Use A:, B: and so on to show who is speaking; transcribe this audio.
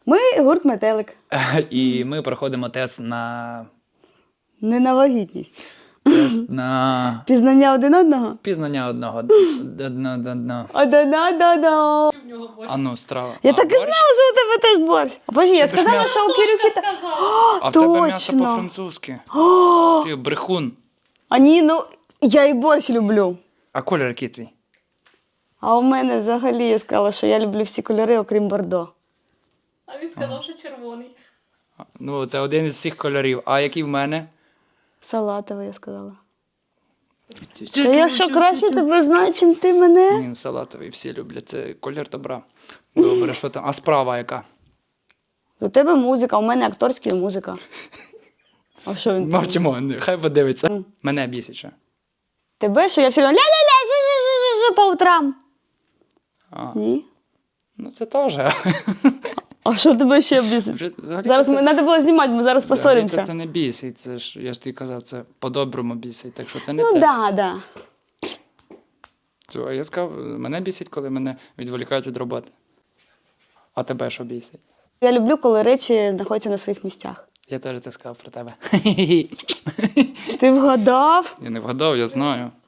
A: Ми гурт «Метелик».
B: І ми проходимо тест на...
A: Не на вагітність.
B: Тест на...
A: Пізнання один одного?
B: Пізнання одного.
A: Одна-да-да.
B: А ну, страва.
A: Я так і знала, що у тебе теж борщ. А боже, я
B: Тебе ж
A: сказала,
B: м'ясо.
A: що у Кирюхи...
B: А в тебе м'ясо
A: точно.
B: по-французьки. Ти брехун.
A: А ні, ну, я і борщ люблю.
B: А колір який твій?
A: А у мене взагалі я сказала, що я люблю всі кольори, окрім бордо.
C: А він сказав, що червоний.
B: Ну, це один із всіх кольорів. А який в мене?
A: Салатовий, я сказала. Та я що, краще тебе знаю, чим ти мене?
B: Ні, салатовий, всі люблять. Це колір добра. Добре, що там? А справа яка?
A: У тебе музика, у мене акторська музика. А що він?
B: Мовчимо, хай подивиться. Мене бісить ще.
A: Тебе, що я все одно ля-ля-ля, жу-жу-жу-жу по утрам.
B: А.
A: Ні?
B: Ну це теж.
A: А що тебе ще бісить?
B: Взагалі-то
A: Зараз
B: це-
A: треба було знімати, ми зараз
B: взагалі-то
A: посоримося.
B: Це не бісить, це ж, я ж тобі казав, це по-доброму бісить, так що це не
A: Ну
B: те.
A: да.
B: А я сказав, мене бісить, коли мене відволікають від роботи. А тебе що бісить?
A: Я люблю, коли речі знаходяться на своїх місцях.
B: Я теж це сказав про тебе.
A: Ти вгадав?
B: Я не вгадав, я знаю.